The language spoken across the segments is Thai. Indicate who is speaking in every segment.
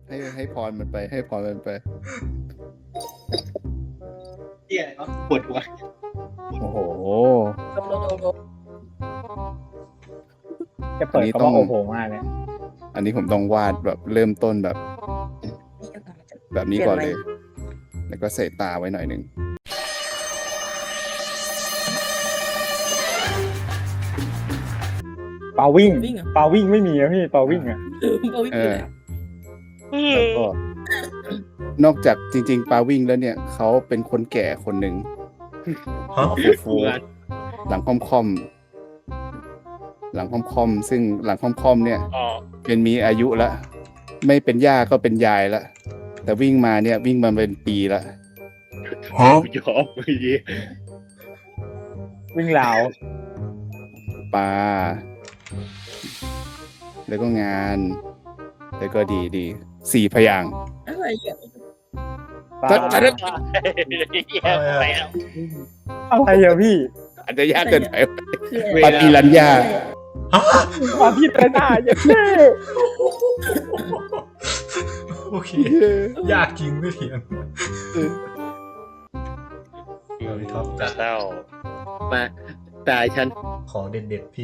Speaker 1: ให้พรมันไปให้พรมันไป
Speaker 2: เหี้ยเนาะปวดหัว
Speaker 1: โอ้โห
Speaker 3: จะเปิดคำว่าโอ้โหมากเลย
Speaker 1: อันนี้ผมต้องวาดแบบเริ่มต้นแบบนี้ก่อนเลย แล้วก็ใส่ตาไว้หน่อยหนึ่ง
Speaker 3: เปาวิ่งเปาวิ่งไม่มีอะพี่เปาวิ่งอะ
Speaker 1: แล้วก็นอกจากจริงๆปาวิ่งแล้วเนี่ยเขาเป็นคนแก่คนหนึ่ง
Speaker 4: ฮะ
Speaker 1: ฟูๆหลังค่อมๆหลังค่อมๆซึ่งหลังค่อมๆเนี่ยเป็นมีอายุละไม่เป็นย่าก็เป็นยายละแต่วิ่งมาเนี่ยวิ่งมาเป็นปีละ
Speaker 4: ฮะ
Speaker 2: ยอมไปดิ
Speaker 3: วิ่งราว
Speaker 1: ปลาแล้วก็งาน แล้วก็ดี4 พยางค์
Speaker 5: อะไรอ่ะ
Speaker 3: ปลา
Speaker 1: ถ้า
Speaker 3: อะไรอะพี่
Speaker 1: อาจจะยากเกินไป
Speaker 5: คือ
Speaker 1: ปาปีรัญญา
Speaker 3: ปลาพี่ตระหน้าอย่างนี้
Speaker 4: โอเค ยากจริงไม่เถียงพี่ท็อปจัด
Speaker 2: เศร้ามาตายฉัน
Speaker 4: ขอเด็ดๆพี่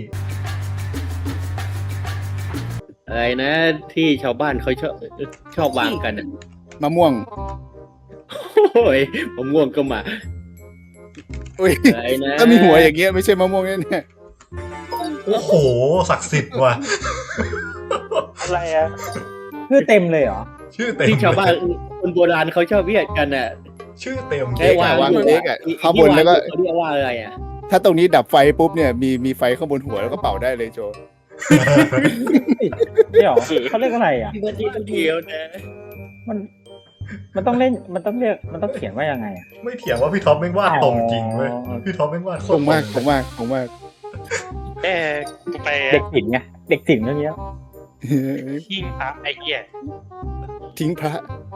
Speaker 2: อะไรนะที่ชาวบ้านเขาชอบวางกันอะ
Speaker 1: มะม่วง
Speaker 2: โอ้ยผมง่วงก็มา
Speaker 1: อุ้ย
Speaker 2: อะไรนะ
Speaker 1: ถ้ามีหัวอย่างเงี้ยไม่ใช่มะม่วงแน่
Speaker 4: โอ้โห ศักดิ์สิทธิ์ว่ะ
Speaker 2: อะไรอะ
Speaker 3: ชื่อเต็มเลยเหรอ
Speaker 4: ชื่อเต็ม
Speaker 2: ที่ชาวบ้านคนโบราณเขาชอบเรียกกันอ่ะ
Speaker 4: ชื่อเต็ม
Speaker 2: ใช่
Speaker 1: ๆ
Speaker 2: ว่า
Speaker 1: วางเล็กอ่ะข้างบนแล้วก็
Speaker 2: เขาเรียกว่าอะไรอ่ะ
Speaker 1: ถ้าตรงนี้ดับไฟปุ๊บเนี่ยมีไฟข้างบนหัวแล้วก็เป่าได้เลยโจ
Speaker 3: นี่เหรอเขาเรียกอะไรอ่ะ
Speaker 5: พี่เบิร์ดดีต้องดี
Speaker 2: เดียวนะ
Speaker 3: มันต้องเล่นมันต้องเรียกมันต้องเขียนว่ายังไงอะ
Speaker 4: ไม่เถียงว่าพี่ท็อปแม่งวาดตรงจริงเว้ย
Speaker 3: อ๋อ
Speaker 4: พี่ท็อปแม่งวาดโค
Speaker 1: ค
Speaker 4: ตรง
Speaker 1: มาก
Speaker 4: ต
Speaker 1: ค
Speaker 4: รง
Speaker 1: มากคงมาก
Speaker 6: กูไป
Speaker 3: เด็กศิลป์ไงเด็กศิลป์เรื่องเนี้ย
Speaker 6: ทิ้งพระไอ้เหี้ย
Speaker 1: ทิ้งพระ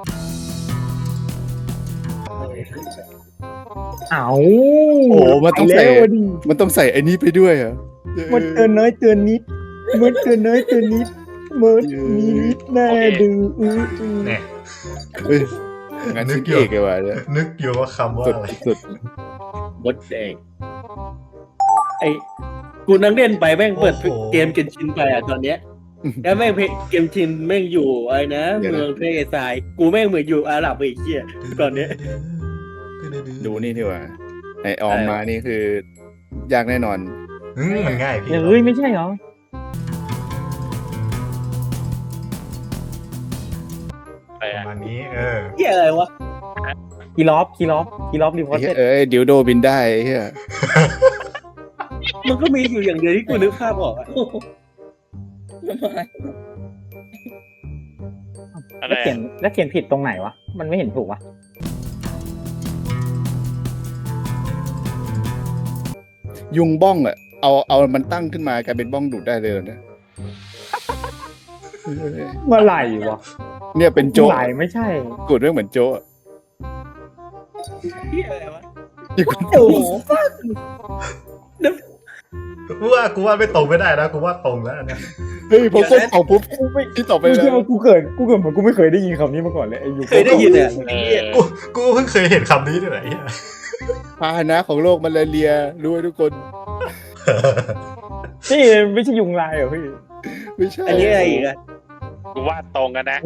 Speaker 3: เอ้า
Speaker 1: โอ้มันต้องใส่
Speaker 3: ไปแล้วดิ
Speaker 1: มันต้องใส่ไอ้นี้ไปด้วยเหรอ
Speaker 3: มันเตือนน้อยเตือนนิดมันเตือนน้อยเตือนนิดมันมีนิดแน่ดื้อ
Speaker 4: เนี่ย
Speaker 1: เฮ้ยงานชิ้นเอกเลยว่ะเนี่ย
Speaker 4: นึกอยู่ว่าคำว่า
Speaker 1: สุด
Speaker 4: อะไร
Speaker 1: สุด
Speaker 2: บดแดงไอ้กูนั่งเล่นไปแม่งเปิดเกมเกนชินไปอ่ะตอนเนี้ยแล้วแม่งเกมชินแม่งอยู่อะไรนะเมืองทะเลทรายกูแม่งเหมือนอยู่อาหรับไอ้เหี้ยตอนเนี้ย
Speaker 1: ดูนี่ดีกว่าไอออมมานี่คือยากแน่นอน
Speaker 4: มันง่ายพี่
Speaker 3: เฮ้ยไม่ใช่เหรอ
Speaker 6: ไป
Speaker 4: ประ
Speaker 6: อะ
Speaker 4: มาณนี้
Speaker 2: เหี้ยอะไรวะ
Speaker 3: คีรอฟรีพอร์ต
Speaker 1: เอ้ยดิวโดบินได้ไอ้เฮีย
Speaker 2: มันก็มีอยู่อย่างเดียวที่กูนึกภาพออกอะ
Speaker 6: อะไร
Speaker 3: แล้วเขียนผิดตรงไหนวะมันไม่เห็นถูกวะ
Speaker 1: ยุงบ้องอ่ะเอามันตั้งขึ้นมากลายเป็นบ้องดูดได้เลยนะ
Speaker 3: เมื่อไหร่วะ
Speaker 1: เนี่ยเป็นโจ๊ะ
Speaker 3: ไหลไม่ใช่
Speaker 1: กูดเรื่องเหมือนโจ๊ะ
Speaker 2: เหี้ยอะไรวะ
Speaker 1: ที่กู
Speaker 2: โอ้โห
Speaker 4: กูว่าไม่ตรงไม่ได้นะกูว่าตรงแล้วอันเนี้ย
Speaker 1: เฮ้ยพอก้มเอาปุ๊บที่ต่อไป
Speaker 3: ไม่
Speaker 1: แล้
Speaker 3: ใช่
Speaker 1: ว
Speaker 3: ว่ากูเกิดเหมือนกูไม่เคยได้ยินคำนี้มาก่อนเลยไอ้ยู
Speaker 2: เคยได้ยินเนี่ยไอ้เหี้ย
Speaker 4: กูเพิ่งเคยเห็นคำนี้ที่ไหนเนี่ย
Speaker 1: พาหนะของโลกมาลาเรียรู้ไว้ทุกคน
Speaker 3: นี่ไม่ใช่ยุงลายเหรอพี่
Speaker 1: ไม่ใช่
Speaker 2: อันนี้อะไรอีกอะ
Speaker 6: กูวาดตรงกันนะ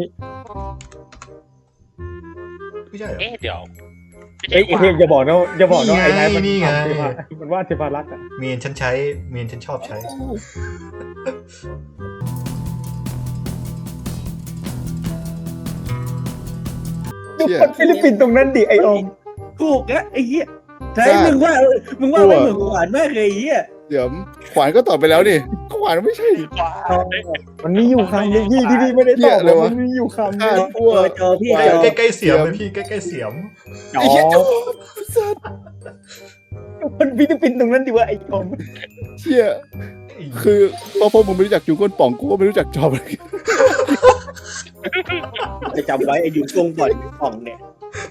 Speaker 4: ไม่ใช่เหรอ
Speaker 6: เอ๊ะเดี๋ยวไม่
Speaker 3: เอ้
Speaker 6: ใช่
Speaker 3: ยเฮ้ยอย่าบอกนะไอ้นายมัน
Speaker 4: นี่ไง
Speaker 3: มันว่าเทพารักษ์อะ
Speaker 4: เมนฉันชอบใช้
Speaker 3: ดูคนฟิลิปปินส์ตรงนั้นดิไอออม
Speaker 2: ถูกอะไอ้เหี้ยใช่มึงว่าไม่เหมือนหวานมากเลยไอ้เหี้ย
Speaker 1: เดี๋ยวขวานก็ตอบไปแล้วนี่ขวานไม่ใช่
Speaker 6: ว้า
Speaker 3: มันมีอยู่คำนึงที่พี่ไม่ได้ตอบเลยมันมีอยู่คำนึง
Speaker 2: จอพี่
Speaker 4: ใกล้ๆเสียมเลยพี่ใกล้ๆเสียม
Speaker 3: อ๋
Speaker 1: ไอ้เหี้ย
Speaker 3: อ
Speaker 1: โจ๊ะสัตว์
Speaker 3: คนฟิลิปปินส์ตรงนั้นดิว่าไอออม
Speaker 1: เชี่ยคือพอมึงไม่รู้จักจุงก้นป่องกูก็ไม่รู้จักจอบเลย
Speaker 2: จะจำไว้ไอ้ยุงกงบ่อนอ่องเนี่ย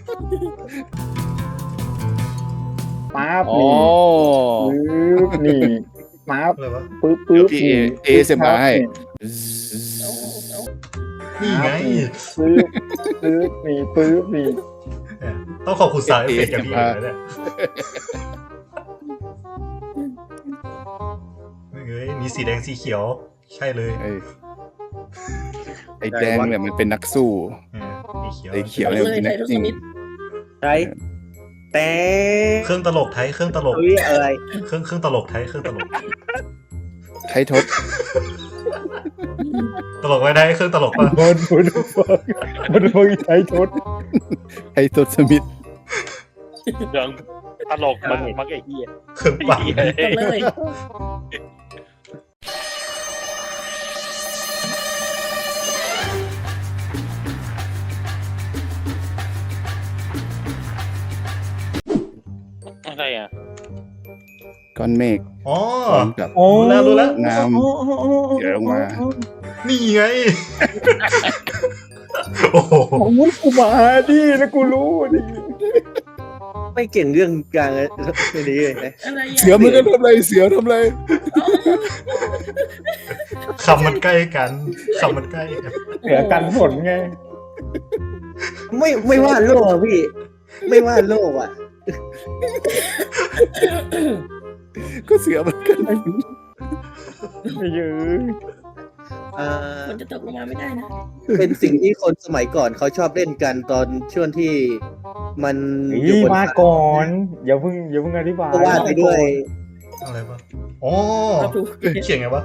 Speaker 3: ป๊าบ
Speaker 1: อ๋อ
Speaker 3: นี่ป๊าบ
Speaker 4: อะไรวะ
Speaker 3: ปึ๊บ
Speaker 1: เดี๋ยวพี่เอเสมาให้
Speaker 4: นี่ไง
Speaker 3: ปื๊บปื๊บนี่ปื๊บนี่
Speaker 4: เนี่ยต้องขอบคุณสาวเอฟเฟกต์อย่างพี่เอกเลยเนี่ยเฮ้ยมีสีแดงสีเขียวใช่เลย
Speaker 1: ไอ้แดงเนี่ยมันเป็นนักสู้
Speaker 4: สีเขียว
Speaker 1: ไอ้เขียวเนี่ยมันเป็นนักจริง
Speaker 2: ใช่แต่
Speaker 4: เครื่องตลกไทยเครื่องตลก
Speaker 2: เฮ้ยอะไร
Speaker 4: เครื่องตลกไทยเครื่องตลก
Speaker 1: ไทยทศ
Speaker 4: ตลกไว้ได้เครื่องตลกป่ะ
Speaker 3: บนไทยทศ
Speaker 1: ไทยทศมิตร
Speaker 6: เรื่องตลกมากมักไอ้เหี้ย
Speaker 4: เครื่องปั่น
Speaker 5: เลย
Speaker 6: อะไรอ่ะ
Speaker 1: ก้อนเมฆ
Speaker 4: อ๋อ
Speaker 1: พร้อมกับ
Speaker 3: โอ้
Speaker 4: รู้แล้ว
Speaker 1: น้ำเดี๋ยวลงมา
Speaker 4: นี่ไง โอ้โห
Speaker 3: โอ้ยกูมาดิแล้วกูรู้ดิ
Speaker 2: ไม่เก่งเรื่องกลางไม่ดีเลยนะ
Speaker 5: อะไร
Speaker 1: เสือมันก็ทำไรเสือทำไร
Speaker 4: คำมันใกล้กันคำมันใกล้กัน
Speaker 3: เหลือกันผลไง
Speaker 2: ไม่ว่าโลกอ่ะพี่ ไม่ว่าโลกอ่ะ
Speaker 1: ก็เสือมันกัน
Speaker 3: ไม่เยอะ
Speaker 5: มันจะตกลงมาไม่ได้นะ
Speaker 2: เป็นสิ่งที่คนสมัยก่อนเขาชอบเล่นกันตอนช่วงที่มันอยู่
Speaker 3: นี่
Speaker 2: บน
Speaker 3: มาก่อนอย่าเพิ่งอธิบาย
Speaker 2: ก็ว่าไปด้วย
Speaker 4: อะไรปะอ๋อ
Speaker 5: เราถูก
Speaker 4: เขียนไงวะ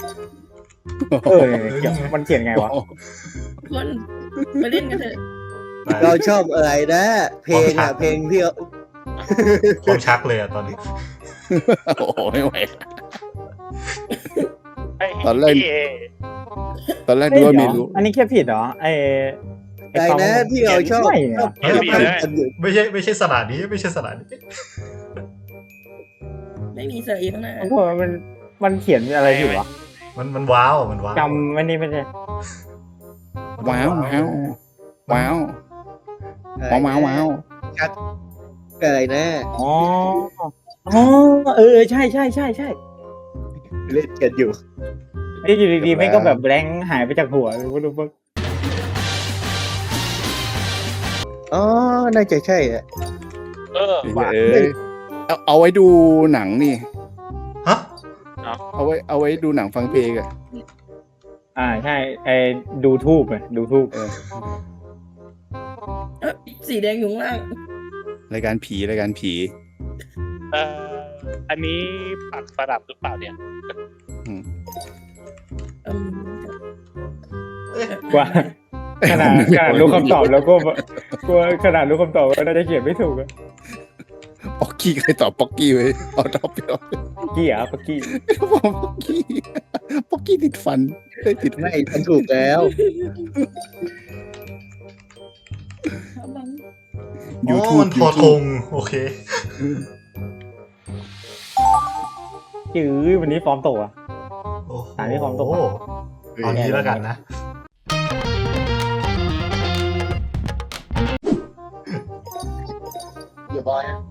Speaker 3: มันเขียนไงวะ
Speaker 5: คนมาเล่นกันเถอะ
Speaker 2: เราชอบอะไรนะ เพลงอ่ะเพลงที่
Speaker 4: ความชักเลยอะตอนนี้
Speaker 1: โอ้โหไม่ไหว
Speaker 6: ไอ้
Speaker 1: ตอนแรก
Speaker 6: พี่เอ
Speaker 1: ตอนแรกดูว่าไม่รู้
Speaker 3: อันนี้แค่ผิดเหรอ
Speaker 2: ใจนะที่เราชอบ
Speaker 3: ไม่
Speaker 2: ชอบ
Speaker 6: เขียนผิดเลย
Speaker 2: กันอยู่
Speaker 4: ไม่ใช่สลัดนี้ไม่ใช่สลัดนี้
Speaker 5: ไม่มีเสืออีกข้างหน้า
Speaker 3: เพราะว่ามันเขียนอะไรผิดวะ
Speaker 4: มันว้าวมันว้าว
Speaker 3: จำไม่นี่ไม่ใช่
Speaker 1: ว้าวว้าวว้าวว้าวว้าว
Speaker 2: อะไรนะ
Speaker 3: อ๋อใช่
Speaker 2: เล่นกันอยู่
Speaker 3: นี่อยู่ดีๆไม่ก็แบบแบงค์หายไปจากหัวไม่รู้ว่า
Speaker 2: อ๋อน่าจะใช่อ่ะ
Speaker 6: เออ
Speaker 1: เอาไว้ดูหนังนี่
Speaker 4: ฮะ
Speaker 1: เอาไว้ดูหนังฟังเพลงอะ
Speaker 3: ใช่ดูทูบดูทูบ
Speaker 5: สีแดงอยู่ข้างล่าง
Speaker 1: รายการผี
Speaker 6: อันนี้ปักสลับหรือเปล่าเนี่ย
Speaker 3: ว่าขนาดรู้คำตอบแล้วก็ขนาดรู้คำตอบก็น่าจะเขียนไม่ถูกอะ
Speaker 1: ป๊อกกี้ใครตอบป๊อกกี้ไว้เอาตอบไปเอา
Speaker 3: กี้อ่ะปักกี้
Speaker 1: ป๊อกกี้ติดฟันได้ติด
Speaker 2: ไม่มันถูกแล้ว
Speaker 1: ยู
Speaker 4: อ๋อ
Speaker 1: ทูบ
Speaker 4: มันทอทงโอเค
Speaker 3: จื้อวันนี้ฟอร์มตกอ่ะ
Speaker 4: โอ้โห
Speaker 3: อ่านที่ความตก
Speaker 4: เอางี้แล้วกันนะ
Speaker 2: อย่าบอยอ่ะ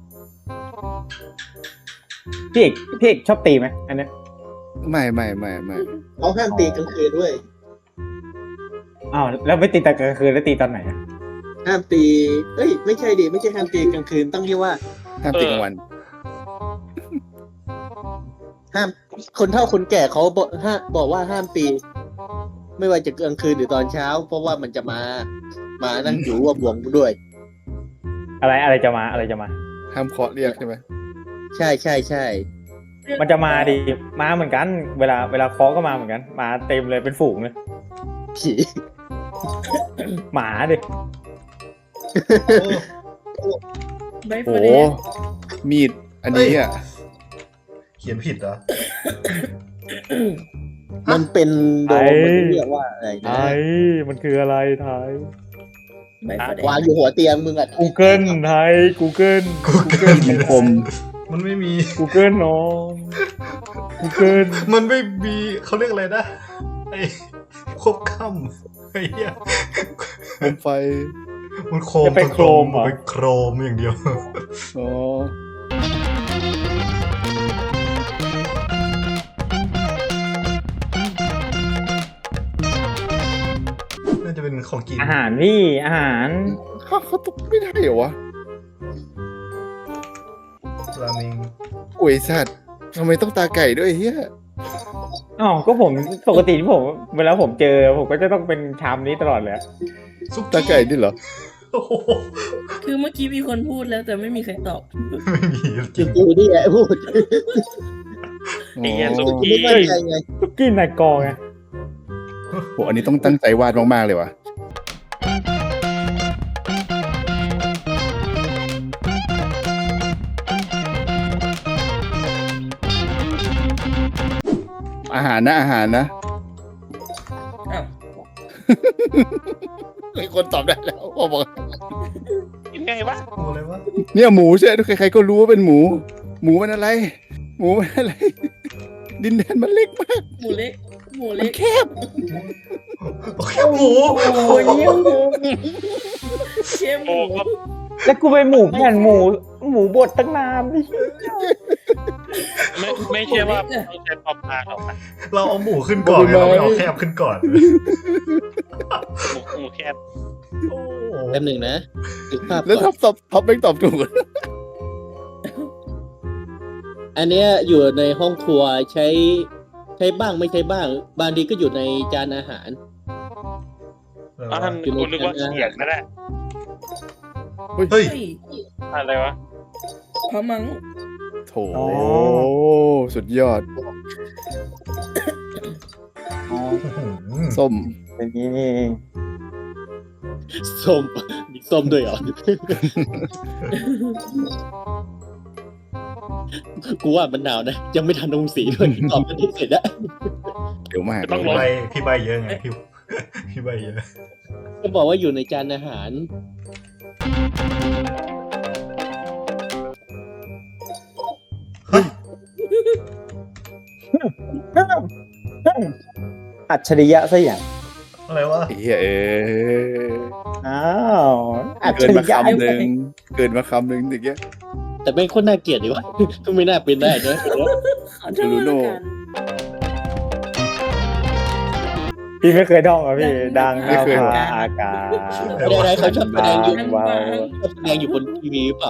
Speaker 3: พี่เอกชอบตีไหมอันเนี้ย
Speaker 1: ไม่
Speaker 2: เขาห้ามตีกลางคืนด้วย
Speaker 3: อ้าวแล้วไม่ตีตอนกลางคืนแล้วตีตอนไหนอะ
Speaker 2: ห้ามตีเอ้ยไม่ใช่ดิไม่ใช่ห้ามตีกลางคืนต้องเรียกว่า
Speaker 1: ห้ามติดกลางวัน
Speaker 2: ห้ามคนเฒ่าคนแก่เขาบอกว่าห้ามตี ไม่ว่าจะกลางคืนหรือตอนเช้า เพราะว่ามันจะมานั่งอยู่ร่วมวงด้วย
Speaker 3: อะไรจะมา
Speaker 1: ห้ามเคาะเรียกใช่ไหม
Speaker 2: ใช่
Speaker 3: มันจะมาดิมาเหมือนกัน เวลาเคาะก็มาเหมือนกันมาเต็มเลยเป็นฝูงเลย
Speaker 2: ผี
Speaker 3: หมาดิ
Speaker 5: ใบ
Speaker 1: โอ้
Speaker 5: เฟรน
Speaker 1: มีดอันนี้อ่ะ
Speaker 4: เขียนผิดเหรอ
Speaker 2: มันเป็นโดมมันเรียกว่าอะไรนะ
Speaker 3: มันคืออะไรไทย
Speaker 5: ใบเฟรน
Speaker 2: วางอยู่หัวเตียงมึงอ่ะ
Speaker 3: Google ไทย Google
Speaker 1: มันคม
Speaker 4: มันไม่มี
Speaker 3: Google น้อง Google
Speaker 4: มันไม่มีเขาเรียกอะไรนะไอ้ควบค่ำไอ้เหี้ย
Speaker 1: คมไฟ
Speaker 4: มันโคม
Speaker 3: จะไปโครมเหรอ
Speaker 4: นเป็นโครมอย่างเดียว
Speaker 1: อ๋อ
Speaker 4: น่าจะเป็นของกิน
Speaker 3: อาหารพี่อาหาร
Speaker 1: เขาตกไม่ได้เหรอวะ
Speaker 4: ราเมง
Speaker 1: โอ้ยสัตว์ทำไมต้องตาไก่ด้วยเฮีย
Speaker 3: อ๋อก็ผมปกติที่ผมเวลาผมเจอผมก็จะต้องเป็นชามนี้ตลอดเลย
Speaker 4: ซุก
Speaker 1: ตาไก่นี่เหรอ
Speaker 4: โอ้โห
Speaker 5: คือเมื่อกี้มีคนพูดแล้วแต่ไม่มีใครตอบ
Speaker 4: ไม่มีจริง
Speaker 5: กูนี่แหละพูด
Speaker 6: ไอ้เหี้ยสุ
Speaker 1: โอ้
Speaker 6: กี้
Speaker 5: ไม่มั่นใจไง
Speaker 3: ซุกี้นายกอไง
Speaker 1: โหอันนี้ต้องตั้งใจวาดมากๆเลยวะอาหารนะอาหารนะ
Speaker 5: อ้าว
Speaker 1: มีคนตอบได้แล้วพ่อบอก
Speaker 6: กินไงวะ
Speaker 4: โอ้อะไรวะ
Speaker 1: เนี่ยหมูใช่ไหมใครๆก็รู้ว่าเป็นหมู หมูมันอะไร หมูมันอะไร ดินแดนมันเล็กมาก
Speaker 5: หมูเล็ก หมู
Speaker 1: มั
Speaker 5: เล็
Speaker 1: น
Speaker 5: ก
Speaker 1: แคบ
Speaker 4: โอเคหมู
Speaker 3: โอ้ยเนี่ยหมู
Speaker 5: เชฟห
Speaker 6: โอ้
Speaker 5: มู
Speaker 6: ก็
Speaker 3: แล้วกูไปหมูแผ่นหมูบดตั้งนานพี่
Speaker 6: ไม่เชื่อว่าต้องใช้ปอมพางหรอกนะ
Speaker 4: เราเอาหมูขึ้นก่อนไงเราไม่เอาแคบขึ้นก่อน
Speaker 6: หมูแคบ
Speaker 4: โอ้
Speaker 5: แป๊บหนึ่งนะดูภาพ
Speaker 1: แล้ว
Speaker 5: ก่อน
Speaker 1: ท็อปไม่ตอบถูก
Speaker 5: อันเนี้ยอยู่ในห้องครัวใช้บ้างไม่ใช้บ้าง บางทีก็อยู่ในจานอาหาร
Speaker 6: อ้าวท่านกูนึกว่าเขียนก็ได้
Speaker 4: เฮ้ย
Speaker 6: อะไรวะ
Speaker 5: พะมัง
Speaker 1: โถสุดยอด ส้ม
Speaker 3: เป็นนี้นี่เอง
Speaker 5: ส้มมีส้มด้วยเหรอ กูว่ามันหนาวนะ ยังไม่ทันลงสีด้วยตอบกันที่เสร็จแล้ว
Speaker 1: เดี๋ยวมาก
Speaker 6: ต้อง
Speaker 4: พี่ใบเยอะไงพี่ใบเยอะ
Speaker 5: ก็บอกว่าอยู่ในจานอาหาร
Speaker 3: อัจฉริยะซะอย่าง
Speaker 4: อะไรวะ
Speaker 1: ไอ้เหี้ย
Speaker 3: อ้าวอัจ
Speaker 1: เกิ
Speaker 3: ฉ
Speaker 1: น
Speaker 3: ริ
Speaker 1: มาย
Speaker 3: ะ
Speaker 1: คำหนึ่งเกินมาคำหนึ่งอย่างเงี้ย
Speaker 5: แต่เป็นคนน่าเกลียดดีวะ ก็ไม่น่าเป็นได้นะ
Speaker 1: จูรูโน่
Speaker 3: พี่ไม่เคยท่องเหรอพี่ดังเอาฟ้าอากาศ
Speaker 5: อะไรเขาชอบแสดงอยู่
Speaker 3: ว้าว
Speaker 5: ชอบแสดงอยู่บนทีวีหรือเปล่า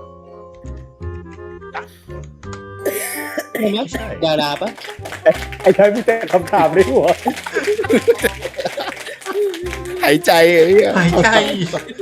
Speaker 5: ใช่ไหมดาราปะ
Speaker 3: ไอ้ชายพี่แต่คำถามในหัว
Speaker 1: หายใจไอ้เหี้ย
Speaker 4: หายใจ